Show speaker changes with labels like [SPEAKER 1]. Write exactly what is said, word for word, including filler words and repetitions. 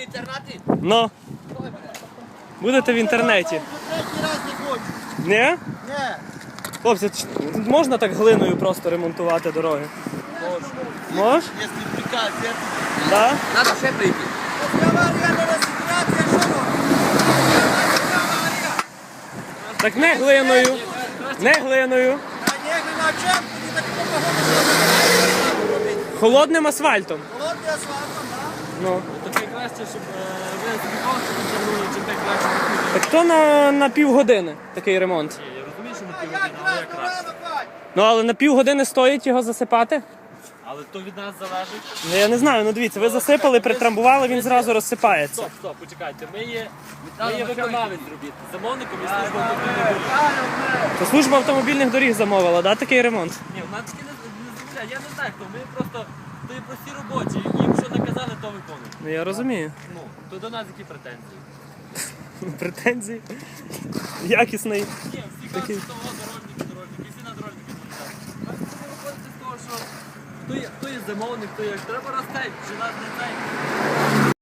[SPEAKER 1] інтернеті?
[SPEAKER 2] Ну. Будете в інтернеті.
[SPEAKER 1] Третій раз не хочу.
[SPEAKER 2] Ні?
[SPEAKER 1] Ні.
[SPEAKER 2] Хлопці, ч- можна так глиною просто ремонтувати дороги? Можеш?
[SPEAKER 1] Якщо приказ,
[SPEAKER 2] Так?
[SPEAKER 1] треба ще прийти.
[SPEAKER 2] Так не глиною. Не глиною. Холодним асфальтом.
[SPEAKER 1] Холодний асфальтом, так?
[SPEAKER 2] Ну.
[SPEAKER 3] Таке краще, щоб ви собі просто підтягнули, чим так краще.
[SPEAKER 2] Так то на, на півгодини такий ремонт.
[SPEAKER 3] Я розумію, що на півгодини, але як краще.
[SPEAKER 2] Ну але на півгодини стоїть його засипати?
[SPEAKER 3] Але то від нас залежить.
[SPEAKER 2] Ну я не знаю, ну дивіться, ви засипали, притрамбували, він зразу розсипається.
[SPEAKER 3] Стоп, стоп, почекайте. Ми є, ми є виконавець робіт. Замовником і служба автомобільних доріг.
[SPEAKER 2] То служба автомобільних доріг замовила, да, такий ремонт?
[SPEAKER 3] Ні, в нас таки не, не замовляє. Я не знаю хто. Ми просто, то є прості робочі. Їм що наказали, то виконують.
[SPEAKER 2] Ну я розумію.
[SPEAKER 3] Ну, то до нас які претензії?
[SPEAKER 2] Претензії. Якісний.
[SPEAKER 3] Ні, всі кажуть, що того дорожники, дорожники, всі на дорожники приїжджають. Ми виходити з того, що хто є, хто є замовник, хто є. Треба розстати, чи нас не цей.